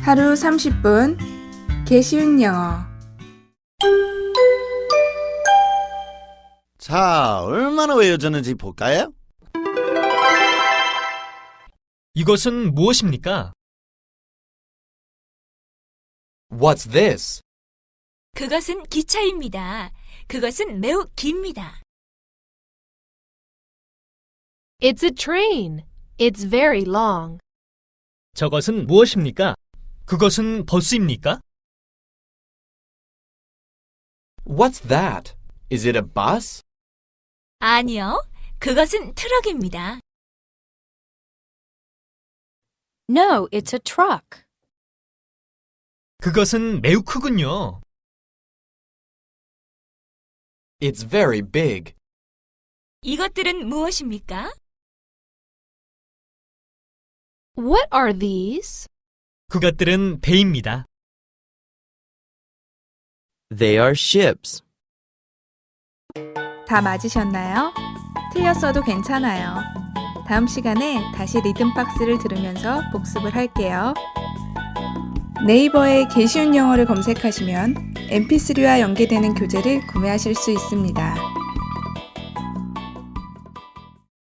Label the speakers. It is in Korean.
Speaker 1: 하루 30분 개쉬운 영어.
Speaker 2: 자, 얼마나 외워졌는지 볼까요?
Speaker 3: 이것은 무엇입니까?
Speaker 4: What's this?
Speaker 5: 그것은 기차입니다. 그것은 매우 깁니다.
Speaker 6: It's a train. It's very long.
Speaker 3: 저것은 무엇입니까? 그것은 버스입니까?
Speaker 4: What's that? Is it a bus?
Speaker 5: 아니요, 그것은 트럭입니다.
Speaker 6: No, it's a truck.
Speaker 3: 그것은 매우 크군요.
Speaker 4: It's very big.
Speaker 5: 이것들은 무엇입니까?
Speaker 6: What are these?
Speaker 3: 그것들은 배입니다.
Speaker 4: They are ships.
Speaker 1: 다 맞으셨나요? 틀렸어도 괜찮아요. 다음 시간에 다시 리듬박스를 들으면서 복습을 할게요. 네이버에 개쉬운 영어를 검색하시면 mp3와 연계되는 교재를 구매하실 수 있습니다.